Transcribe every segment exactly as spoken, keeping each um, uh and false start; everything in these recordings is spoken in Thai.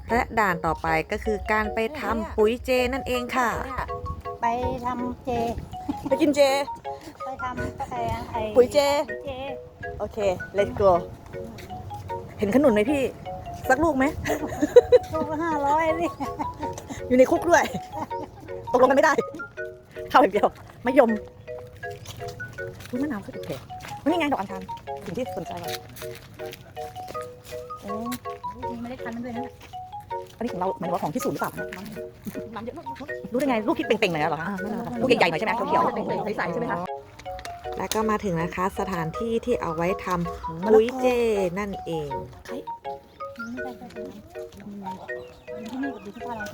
และด่านต่อไปก็คือการไปทำปุ๋ยเจนั่นเองค่ะไปทำเจไปกินเจไปทำไอ้ไอ้ปุ๋ยเจเจโอเค let's go เห็นขนุนไหมพี่ สักลูกไหมลูกละห้าร้อยนี่อยู่ในคุกด้วย ตกลงกันไม่ได้ เข้าอย่างเดียวมะยมรู้มะนาวเขาถูกแพงวันนี้ไงดอกอัญชันสิ่งที่สนใจเราโอ้มีเมล็ดพันธุ์มันด้วยนะอันนี้ของเราหมายถึงว่าของที่สูงหรือเปล่าน้ำเยอะมากรู้ได้ไงลูกที่เป่งๆหน่อยเหรอคะลูกใหญ่ๆหน่อยใช่ไหมเขียวๆใสๆใช่ไหมคะแล้วก็มาถึงนะคะสถานที่ที่เอาไว้ทำปุ๋ยเจนั่นเองไม่ได้ใช่ไหมที่นี่กับดูที่บ้านเราสิ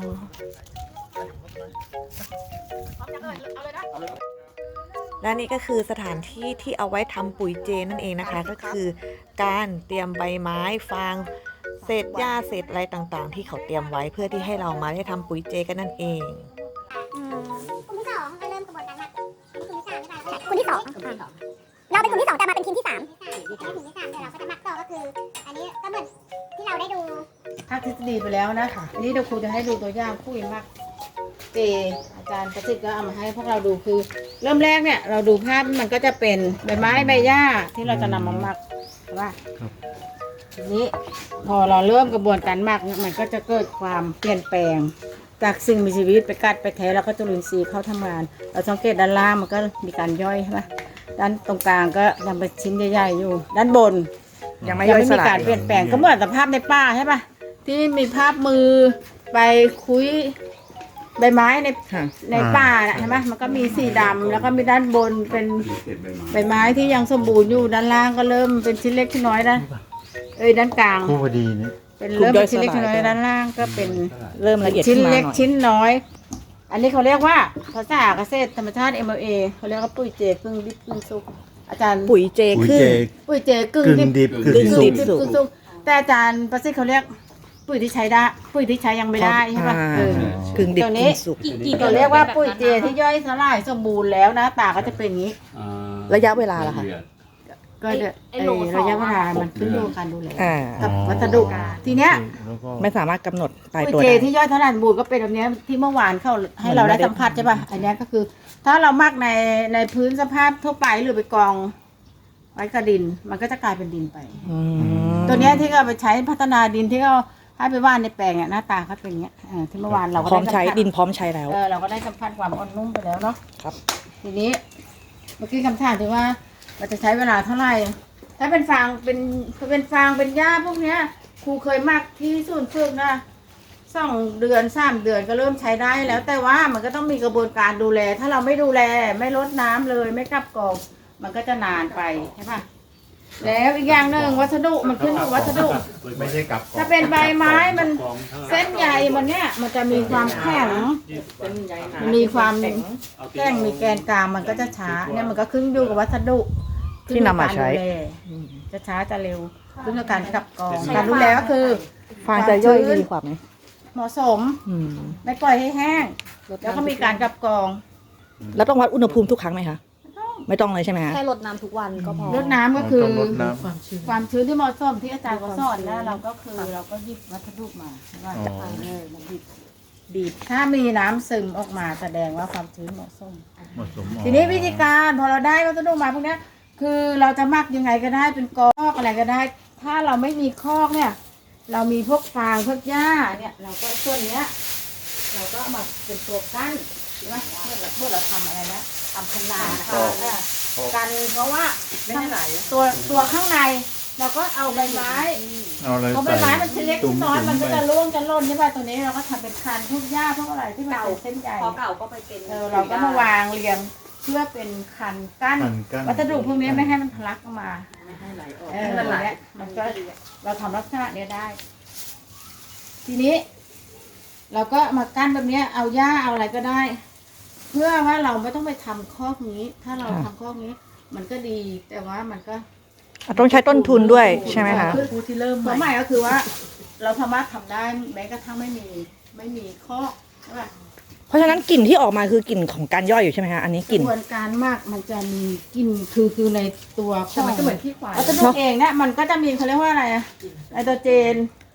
และนี่ก็คือสถานที่ที่เอาไว้ทำปุ๋ยเจนั่นเองนะคะ ก็คือการเตรียมใบไม้ฟางเศษหญ้าเศษอะไรต่างๆ ที่เขาเตรียมไว้เพื่อที่ให้เรามาได้ทำปุ๋ยเจกันนั่นเองกลุ่มที่สองก็เริ่มกระบวนการหมักกลุ่มที่สามใช่ไหมกลุ่มที่สองเราเป็นกลุ่มที่สองแต่มาเป็นทีมที่สามอันนี้กลุ่มที่สามเดี๋ยวเราก็จะหมักต่อก็คือ อันนี้ก็เหมือนที่เราได้ดูภาคทฤษฎีไปแล้วนะอันนี้เดี๋ยวครูจะให้ดูตัวอย่างคุยมากเจอาจารย์ประสิทธิ์ก็เอามาให้พวกเราดูคือ เริ่มแรกเนี่ยเราดูภาพมันก็จะเป็นใบไม้ใบหญ้าที่เราจะนำมาหมักใช่ป่ะทีนี้พอเราเริ่มกระบวนการหมักเนี่ยมันก็จะเกิดความเปลี่ยนแปลง จากสิ่งมีชีวิตไปกัดไปแทะแล้วก็จุลินทรีย์เข้าทำงาน เราสังเกตด้านล่างมันก็มีการย่อยใช่ป่ะด้านตรงกลางก็ยังเป็นชิ้นใหญ่ๆอยู่ ด้านบนยังไม่ยังย่อยไม่สมีลายการเปลี่ยนแปลงก็เหมือนสภาพในป่าใช่ป่ะที่มีภาพมือไปคุยใบไม้ในค่ะในป่าน่ะใช่ไหมมันก็มีสีดำแล้วก็มีด้านบนเป็นใบไม้ที่ยังสมบูรณ์อยู่ด้านล่างก็เริ่มเป็นชิ้นเล็กชิ้นน้อยนะเอ้ยด้านกลางคู่พอดีนี่เป็นเริ่มเป็นชิ้นเล็กชิ้นน้อยด้านล่างก็เป็นเริ่มละเอียดชิ้นขึ้นมาหเล็กน่อยชิ้นน้อย อันนี้เขาเรียกว่าภาษาเกษตรธรรมชาติ เอ็ม แอล เอ เขาเรียกว่าปุ๋ยเจกึ่งดิบกึ่งสุกอาจารย์ปุ๋ยเจปุ๋ยขึ้นเจปุ๋ยเจกึ่งกึ่งดิบดิบกึ่งกึ่งสุดิกบสุกสุกแต่อาจารย์ประสิทธิ์เขาเรียกปุ๋ยที่ใช้ได้ปุ๋ยที่ใช้ยังไม่ได้ใช่ปะอ่าเออกึ่งดิบตัวนี้กึ่งสุกเราเรียกว่าปุ๋ยเจที่ย่อยสลายสมบูรณ์แล้วนะตาก็จะเป็นอย่างนี้ระยะเวลาล่ะคะก็จะไอ้ระยะเวลามันขึ้นอยู่กับการดูแลอ่ากับวัสดุทีเนี้ยแล้วก็ไม่สามารถกำหนดตายปุ๋ยตัวเจได้ที่ย่อยสลายสมบูรณ์ก็เป็นแบบเนี้ยที่เมื่อวานเขาให้เราได้สัมผัสใช่ปะอันเนี้ยก็คือ ถ้าเรามักในในพื้นสภาพทั่วไปหรือไปกองไว้กับดิน มันก็จะกลายเป็นดินไปอืมตัวเนี้ยที่เขาไปใช้พัฒนาดินที่เขาให้ไปว่านในแปลงเนี่ยหน้าตาเขาเป็นอย่างเงี้ยเออที่เมื่อวานเราก็พร้อมได้ใช้สัมผัสดินพร้อมใช้แล้วเออเราก็ได้สัมผัสความอ่อนนุ่มไปแล้วเนาะครับทีนี้เมื่อกี้คำถามที่ว่ามันจะใช้เวลาเท่าไหร่ถ้าเป็นฟางเป็นเป็นฟางเป็นหญ้าพวกเนี้ยครูเคยมักที่ศูนย์ฝึกนะสองเดือนสามเดือนก็เริ่มใช้ได้แล้ว แต่ว่ามันก็ต้องมีกระบวนการดูแล ถ้าเราไม่ดูแลไม่ลดน้ำเลยไม่กลับกรองมันก็จะนานไปใช่ปะแล้วอีกอย่างหนึ่งวัสดุมันขึ้นอยู่วัสดุไม่ใช่กับถ้าเป็นใบไม้มันเส้นใยมันเนี้ยมันจะมีความแข็งมันมีความแข็งมีแกนกลางมันก็จะช้าเนี่ยมันก็ขึ้นอยู่กับวัสดุที่นำมาใช้ขึ้นอยู่กับการดูแลจะช้าจะเร็วขึ้นกับการกลับกรองการดูแลก็คือฟางจะย่อยดีกว่าไหมเหมาะสมอืมไม่ปล่อยให้แห้งแล้วก็มีการกลับกรองแล้วต้องวัดอุณหภูมิทุกครั้งไหมคะ ไม่ต้องเลยใช่ไหมคะแค่รดน้ำทุกวันก็พอรดน้ำก็คือต้องรดน้ความชื้นที่เหมาะสมที่อาจารย์เขาสอนแล้วเราก็คือเราก็หยิบวัสดุมาว่าจะเอาเออมาบีบบีบถ้ามีน้ำซึมออกมาแสดงว่าความชื้นเหมาะสมำเหมาะสมทีนี้วิธีการพอเราได้วัสดุมาพวกเนี้ยคือเราจะหมักยังไงก็ได้เป็นกอกอะไรก็ได้ ถ้าเราไม่มีคอกเนี่ย เรามีพวกฟางพวกหญ้าเนี่ยเราก็ส่วนเนี้ย เราก็เอามาเป็นตัวกั้นใช่ไหมเมื่อเราเมื่อเราทำอะไรนะทำพนานะคะกันเพราะว่าตัวตัวข้างในเราก็เอาใบไม้เอาอะไรเพราะใบใส่ไม้มันชิ้นเล็กตุ่ชิ้นน้อยตุ่มันก็ไปจะร่วงจะหล่นใช่ป่ะตัวนี้เราก็ทำเป็นคันพวกหญ้าพวกอะไรที่มันเป็นเส้นใหญ่พอเก่าก็ไปเป็นเออเราก็มาวางเรียงเพื่อเป็นคันกั้นคันกั้นวัสดุพวกนี้ไม่ให้มันทะลักออกมาไม่ให้ไหลออกเออเนี่ยมันก็เราทำลักษณะเนี้ยได้ ทีนี้ เราก็มากั้นแบบเนี้ยเอาหญ้าเอาอะไรก็ได้ เพื่อว่าเราไม่ต้องไปทำคอกนี้ ถ้าเราทำคอกนี้ มันก็ดี แต่ว่ามันก็ต้องใช้ต้นทุนด้วยใช่ไหมคะผู้ที่เริ่มใหม่ก็คือว่า เราสามารถทำได้แม้กระทั่งไม่มีไม่มีคอกใช่ป่ะเพราะฉะนั้นกลิ่นที่ออกมาคือกลิ่นของการย่อยอยู่ใช่ไหมคะ อันนี้กกลิ่นระบวนการหมักมันจะมีกลิ่นคือคือในตัวแต่มันก็เหมือนขี้ควายวัสดุเองเนี่ยมันก็จะมีเขาเรียกว่าอะไรอะไนโตรเจน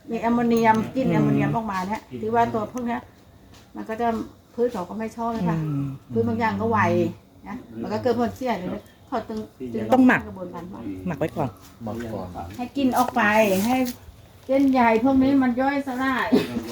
มีแอมโมเนียมกลินแอมโมเนียมออกมาเนี่ยที่ว่าตัวพวกเนี้ยมันก็จะพืชเขาก็ไม่ชอบเลยค่ะพืชบางอย่างก็ไวนะมันก็เกิดผลเสียเลยเขาตึงจึงต้องหมักกระบวนการหมักหมักไว้ก่อนหมักก่อนให้กินออกไปให้เส้นใยพวกนี้มันย่อยสลาย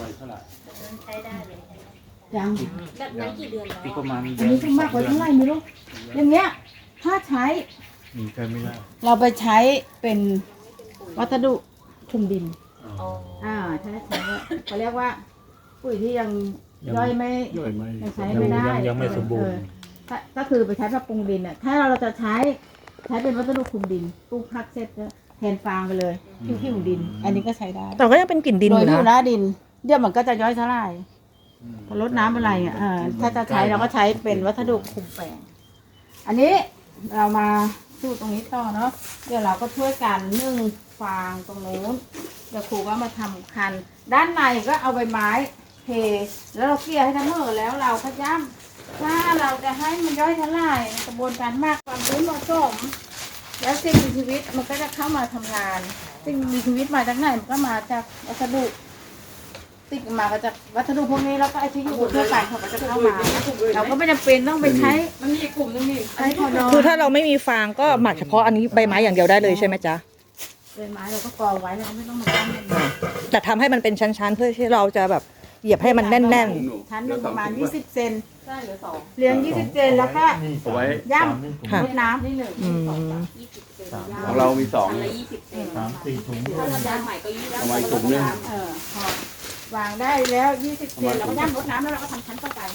ยังแบบนั้นกี่เดือนแล้วปีประมาณอันนี้ต้องมากกว่าเท่าไหร่ไม่รู้อย่างเงี้ยถ้าใช้มีใช้ไม่ได้เราไปใช้เป็นวัสดุคลุมดินอ่าใช่ใช่เขาเรียกว่าปุ๋ยที่ยังย่อยไม่ย่อยไหมยังใช้ไม่ได้ยังยังไม่สมบูรณ์เออถ้าก็คือไปใช้ปรับปรุงดินอ่ะถ้าเราจะใช้ใช้เป็นวัสดุคลุมดินปลูกพักเสร็จก็แทนฟางไปเลยที่ที่ของดิน อันนี้ก็ใช้ได้แต่ก็ยังเป็นกลิ่นดินโดอย ยู่ที่อยู่หนะน้าดินเดี๋ยวมันก็จะย่อยสลายพอลดน้ำอะไรอ่ะเออถ้าจะใช้เราก็ใช้เป็นวัสดุคลุมแปลงอันนี้เรามาสู้ตรงนี้ต่อเนาะเดี๋ยวเราก็ช่วยกันนึ่งฟางตรงโน้นเดี๋ยวครูก็มาทำคัน ด้านในก็เอาใบไม้เทแล้วเราเกลี่ยให้ทั้งหมดแล้วเราก็ย่ำถ้าเราจะให้มันย่อยสลายกระบวนการมากความชื้นเหมาะสมแล้วสิ่งมีชีวิตมันก็จะเข้ามาทำงานสิ่งมีชีวิตมาจากไหนมันก็มาจากวัสดุติดมาก็จากวัสดุพวกนี้แล้วก็ไอ้ที่อยู่บนทั่วไปเขาก็จะเข้ามา เราก็ไม่จำเป็นต้องไปใช้มันมีกลุ่มนึงนี่ใช้พอดอคือถ้าเราไม่มีฟางก็หมักเฉพาะอันนี้ใบไม้อย่างเดียวได้เลยใช่ไหมจ๊ะใบไม้เราก็กองไว้เราก็ไม่ต้องมาตั้งมันแต่ทำให้มันเป็นชั้นๆ เพื่อที่เราจะแบบเหยียบให้มันแน่นชั้นหนึ่งประมาณยี่สิบเซนเรียงยี่สิบเซนแล้วก็เอาไว้ย่ค่ะำรดน้ำนี่หนึ่งๆอืมของเรามีสองสามสี่ถุงเอาไว้ถุงนึงเออพอวางได้แล้วยี่สิบเซนเราก็ย่ำรดน้ำแล้วเราก็ทำชั้นต่อไป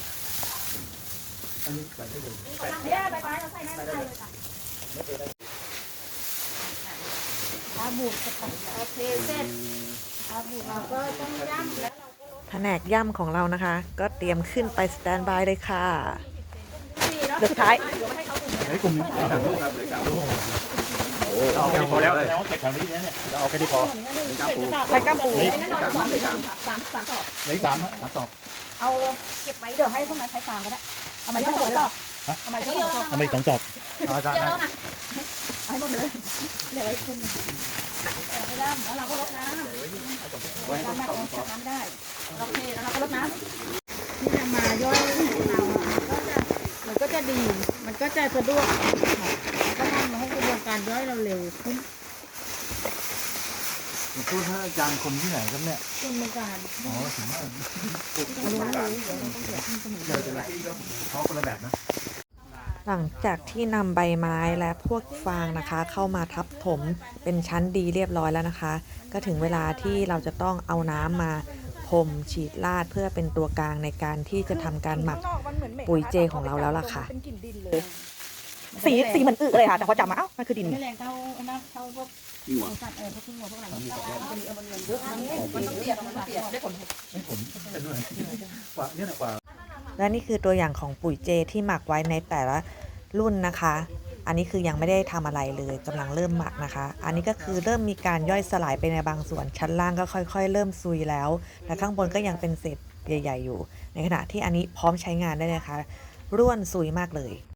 เนี่ยใบไม้เราใส่ไม่ได้เลยค่ะอาบูดโอเคเสร็จอาบูดเราก็ต้องย่ำแล้วแผนกย่ำของเรานะคะ ก็เตรียมขึ้นไปสแตนบายเลยค่ะสุดท้ายไอ้กลุ่มนี้สามลูกครับเลยสามลูกเอาแค่นี้พอแล้วแล้วเก็บแถวนี้เนี่ยเราเอาแค่นี้พอไปก้ามปูนี่สามสามสามสามต่อเลยสามสามต่อเอาเก็บไว้เดี๋ยวให้พวกนั้นใช้ฟางก็ได้เอามาที่สองต่อเอามาที่สองต่อเอาไปสองจอบเอาจารย์นะให้หมดเลยเหลือไอ้คนไปด้ามแล้วเราก็ลดน้ำน้ำแบบเราจับน้ำได้โอเคแล้วเราก็ลดน้ำที่จะมาย่อยของเรามันก็จะมันก็จะดีมันก็จะสะดวกก็ทำให้กระบวนการย่อยเราเร็วขึ้นผมพูดท่านอาจารย์คนที่ไหนครับเนี่ยกระบวนการอ๋อถึงว่าเขาคนละแบบนะหลังจากที่นำใบไม้และพวกฟางนะคะ เข้ามาทับถมเป็นชั้นดีเรียบร้อยแล้วนะคะ ก็ถึงเวลาที่เราจะต้องเอาน้ำมาพรมฉีดลาดเพื่อเป็นตัวกลางในการที่จะทำการหมักปุ๋ยเจของเราแล้วล่ะค่ะ สีสีเหมือนอึเลยค่ะ แต่พอจับมาเอ้ามันคือดินไม่แรงเท่าน้ำเท่าพวกสัตว์เออพวกพึ่งพวกอะไรมันมีเอามันเงินเยอะมันต้องเปียกมันต้องเปียกได้ผลไม่ผมเป็นด้วยกว่าเนี่ยกว่าและนี่คือตัวอย่างของปุ๋ยเจที่หมักไว้ในแต่ละรุ่นนะคะ อันนี้คือยังไม่ได้ทำอะไรเลยกำลังเริ่มหมักนะคะ อันนี้ก็คือเริ่มมีการย่อยสลายไปในบางส่วน ชั้นล่างก็ค่อยๆ เริ่มซุยแล้ว และข้างบนก็ยังเป็นเศษใหญ่ๆอยู่ ในขณะที่อันนี้พร้อมใช้งานได้เลยนะคะร่วนซุยมากเลย